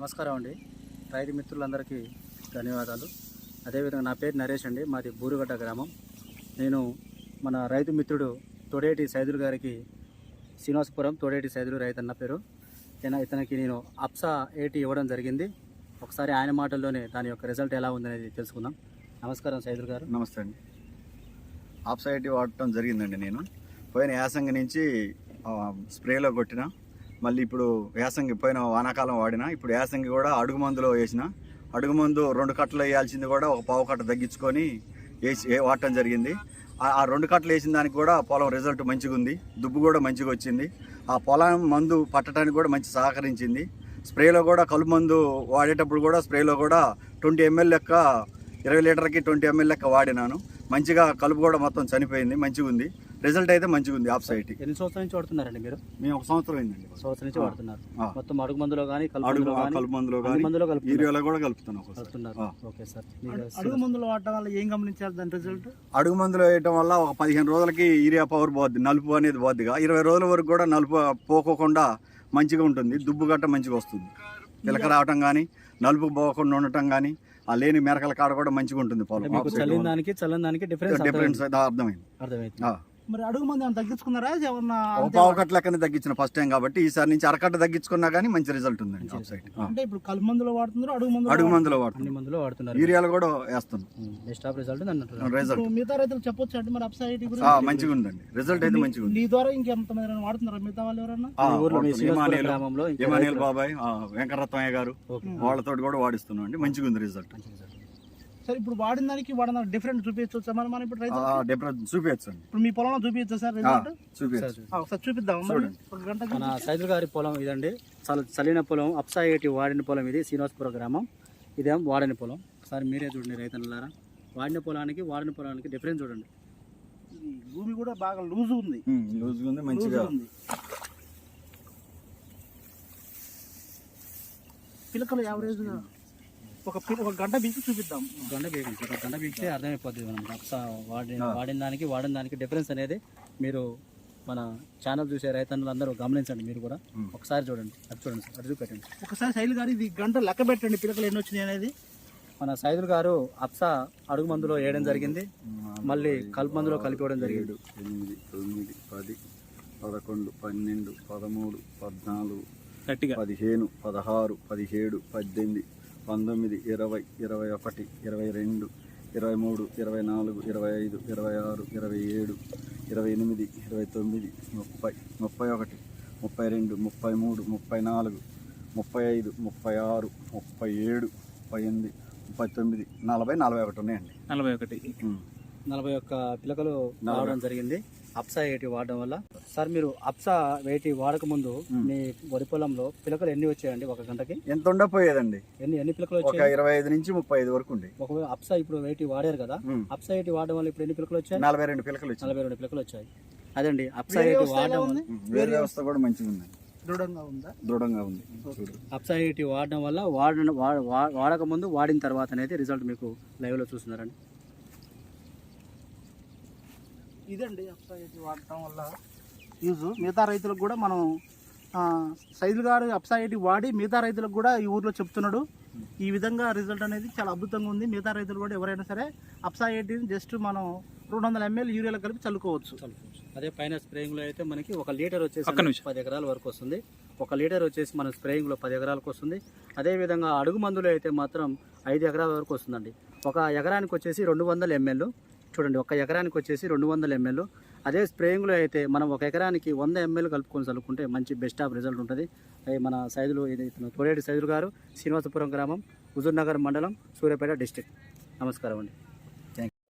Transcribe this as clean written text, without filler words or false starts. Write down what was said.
నమస్కారం అండి. రైతు మిత్రులందరికీ ధన్యవాదాలు. అదేవిధంగా నా పేరు నరేష్ అండి. మాది బూరుగడ్డ గ్రామం. నేను మన రైతు మిత్రుడు తోడేటి సైదులు గారికి శ్రీనివాసపురం తోడేటి సైదులు రైతు అన్న పేరు. ఇతనికి నేను అప్సా 80 ఇవ్వడం జరిగింది. ఒకసారి ఆయన మాటల్లోనే దాని యొక్క రిజల్ట్ ఎలా ఉందనేది తెలుసుకుందాం. నమస్కారం సైదులు గారు. నమస్తే అండి. అప్సా 80 వాడటం జరిగిందండి. నేను పోయిన యాసంగి నుంచి స్ప్రేలో కొట్టిన, మళ్ళీ ఇప్పుడు యాసంగి పోయిన వానాకాలం వాడిన, ఇప్పుడు యాసంగి కూడా అడుగు మందులో వేసిన. అడుగు మందు 2 కట్టలు వేయాల్సింది కూడా ఒక పావు కట్ట తగ్గించుకొని వాడటం జరిగింది. ఆ 2 కట్టలు వేసిన దానికి కూడా పొలం రిజల్ట్ మంచిగా ఉంది. దుబ్బు కూడా మంచిగా వచ్చింది. ఆ పొలం మందు పట్టడానికి కూడా మంచి సహకరించింది. స్ప్రేలో కూడా కలుపు మందు వాడేటప్పుడు కూడా స్ప్రేలో కూడా 20 ml లెక్క 20 లీటర్కి 20 ml లెక్క వాడినాను. మంచిగా కలుపు కూడా మొత్తం చనిపోయింది. మంచిగా ఉంది. రిజల్ట్ అయితే మంచిగా ఉంది. అప్సా 80 ఎన్ని సంవత్సరాల నుంచి వాడుతున్నారండి మీరు? మేము 1 సంవత్సరం అయిందండి. సంవత్సరం నుంచి వాడుతున్నారు. మొత్తం అడుగు మందులో కానీ కలుపు మందులో కానీ యూరియాలో కూడా కలుపుతున్నారు. Okay sir. అడుగు మందులు వాడటం వల్ల ఏం గమనించారు దాని రిజల్ట్? అడుగు మందులు వేయటం వల్ల ఒక 15 రోజులకి యూరియా పవర్ పోద్ది, నలుపు అనేది పోద్దిగా. 20 రోజుల వరకు కూడా నలుపు పోకోకుండా మంచిగా ఉంటుంది. దుబ్బు గట్ట మంచిగా వస్తుంది. పిలక రావటం కానీ, నలుపు పోకుండా ఉండటం కానీ, ఆ లేని మెరకల కాడ కూడా మంచిగా ఉంటుంది పొలం. చల్లని డిఫరెన్స్ అర్థమైంది. మరి అడుగు మంది ఏమైనా తగ్గించుకున్నారా? పావు కట్ట లెక్కనే తగ్గించిన ఫస్ట్ టైం కాబట్టి ఈసారి నుంచి అరకట్ట తగ్గించుకున్నా కానీ మంచి రిజల్ట్ ఉందండి. అంటే ఇప్పుడు కలుపు మందులో వాడుతున్నారు, అడుగు మందులో వాడుతున్నారు, యూరియాలు కూడా వేస్తున్నాం. మిగతా రైతులు చెప్పొచ్చు అంటే మరి అప్సా 80 గురించి మంచిగా ఉందండి. రిజల్ట్ అయితే మంచిగా ఉంది. నీ ద్వారా ఇంకెంతమంది వాడుతున్నారా? మిగతా వాళ్ళు ఎవరన్నా? హిమానియల్ బాబాయ్, వెంకటరత్నయ్య గారు, వాళ్ళతో కూడా వాడిస్తున్నాం అండి. మంచిగా ఉంది రిజల్ట్. సరే, ఇప్పుడు వాడిన దానికి వాడిన డిఫరెంట్ చూపించవచ్చు మనం ఇప్పుడు డిఫరెన్స్ చూపించచ్చు. ఇప్పుడు మీ పొలంలో చూపించచ్చు సార్ రిజల్ట్? ఒకసారి చూపిద్దాం. మన సైదుల్ గారి పొలం ఇదండి. చలిన పొలం, అప్సా 80 వాడిన పొలం ఇది. శ్రీనివాసపురం గ్రామం. ఇదేం వాడని పొలం. ఒకసారి మీరే చూడండి రైతులారా. వాడిన పొలానికి డిఫరెన్స్ చూడండి. భూమి కూడా బాగా లూజ్ ఉంది. మంచిగా ఉంది. పిలకలు యావరేజ్ గా ఒక గంట బీకి చూపిద్దాం. గంట బీకితే అర్థమైపోతుంది మనం అప్సా వాడిన దానికి డిఫరెన్స్ అనేది మీరు మన ఛానల్ చూసే రైతన్నులు అందరూ గమనించండి. మీరు కూడా ఒకసారి చూడండి. అటు చూపెట్టండి. ఒకసారి సైదుల్ గారు ఇది గంట లెక్క పెట్టండి, పిలకలు ఎన్ని వచ్చినాయి అనేది. మన సైదుల్ గారు అప్సా అడుగు మందులో వేయడం జరిగింది, మళ్ళీ కలుపు మందులో కలిపివ్వడం జరిగింది. 8, 9, 10, 11, 12, 13, 14, 15, 16, 17, 18, 19, 20, 21, 22, 23, 24, 25, 26, 27, 28, 29, 30, 31, 32, 33, 34, 35, 36, 37, 38, 39, 40, 41 ఉన్నాయండి. 41 పిలకలు రావడం జరిగింది అప్సా 80 వాడడం వల్ల. సార్, మీరు అప్సా 80 వాడక ముందు మీ వరి పొలంలో పిలకలు ఎన్ని వచ్చాయండి ఒక గంటకి? ఎంత ఉండపోయేదండి. ఎన్ని పిలకలు వచ్చాయి? 25 నుంచి 35 వరకు ఉండే. ఒకవేళ అప్సా ఇప్పుడు 80 వాడారు కదా, అప్సా 80 వాడడం వల్ల ఇప్పుడు ఎన్ని పిలకలు వచ్చాయి? 42 పిలకలు. 42 పిలకలు వచ్చాయి. అదండి అప్సా 80 వాడడం వల్ల. వేరే వ్యవస్థ కూడా మంచిగా ఉంది. దృఢంగా ఉంది. అప్సా 80 వాడడం వల్ల వాడక ముందు వాడిన తర్వాత అనేది రిజల్ట్ మీకు లైవ్ లో చూస్తున్నారండి. ఇదండి అప్సా 80 వాడటం వల్ల యూజ్. మిగతా రైతులకు కూడా మనం సైదుల్ గారు అప్సా 80 వాడి మిగతా రైతులకు కూడా ఈ ఊర్లో చెప్తున్నాడు. ఈ విధంగా రిజల్ట్ అనేది చాలా అద్భుతంగా ఉంది. మిగతా రైతులు కూడా ఎవరైనా సరే అప్సా 80 జస్ట్ మనం 200 ml యూరియాలో కలిపి చల్లుకోవచ్చు. అదే పైన స్ప్రేయింగ్ లో అయితే మనకి 1 లీటర్ వచ్చేసి 10 ఎకరాల వరకు వస్తుంది. 1 లీటర్ వచ్చేసి మన స్ప్రేయింగ్ లో 10 ఎకరాలకు వస్తుంది. అదే విధంగా అడుగు మందులో అయితే మాత్రం 5 ఎకరాల వరకు వస్తుందండి. 1 ఎకరానికి వచ్చేసి 200 ml. చూడండి, 1 ఎకరానికి వచ్చేసి 200 ml. అదే స్ప్రేయింగ్లో అయితే మనం 1 ఎకరానికి 100 ml కలుపుకొని చల్లుకుంటే మంచి బెస్ట్ ఆఫ్ రిజల్ట్ ఉంటుంది. మన సైదులు ఇది తోడేటి సైదులు గారు, శ్రీనివాసపురం గ్రామం, హుజూర్ నగర్ మండలం, సూర్యాపేట డిస్ట్రిక్ట్. నమస్కారం అండి.